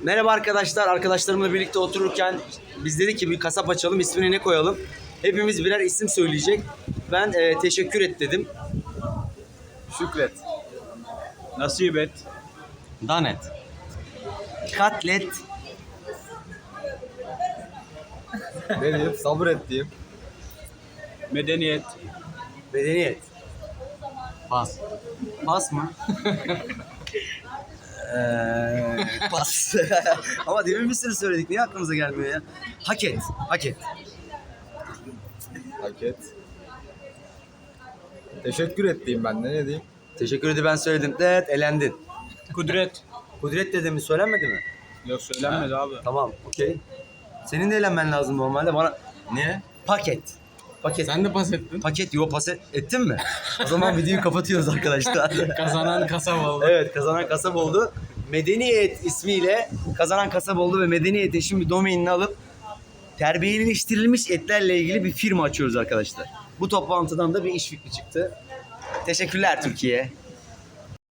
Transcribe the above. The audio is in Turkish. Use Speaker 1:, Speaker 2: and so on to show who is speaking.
Speaker 1: Merhaba arkadaşlar. Arkadaşlarımla birlikte otururken biz dedik ki bir kasap açalım. İsmini ne koyalım? Hepimiz birer isim söyleyecek. Ben teşekkür et dedim.
Speaker 2: Şükret. Nasip et.
Speaker 1: Danet. Katlet.
Speaker 2: Ne diyeyim? Sabır et diyeyim. Medeniyet.
Speaker 1: Medeniyet. Pas. Pas mı? Pas. Ama demin bir sürü söyledik. Niye aklımıza gelmiyor ya? Hak et. Hak et.
Speaker 2: Hak et. Teşekkür et diyeyim ben de, ne diyeyim?
Speaker 1: Teşekkür ederim, ben söyledim. Evet, elendin.
Speaker 2: Kudret.
Speaker 1: Kudret dedim mi, söylenmedi mi?
Speaker 2: Yok, söylenmedi abi.
Speaker 1: Tamam, okey. Senin de eğlenmen lazım normalde. Bana
Speaker 2: Ne?
Speaker 1: paket. Paket.
Speaker 2: Sen de pas ettin.
Speaker 1: Paket, ettin mi? O zaman videoyu kapatıyoruz arkadaşlar.
Speaker 2: Kazanan kasap oldu.
Speaker 1: Evet, kazanan kasap oldu. Medeniyet ismiyle kazanan kasap oldu ve Medeniyet Eş'in bir domainini alıp terbiyeleştirilmiş etlerle ilgili bir firma açıyoruz arkadaşlar. Bu toplantıdan da bir iş fikri çıktı. Teşekkürler Türkiye.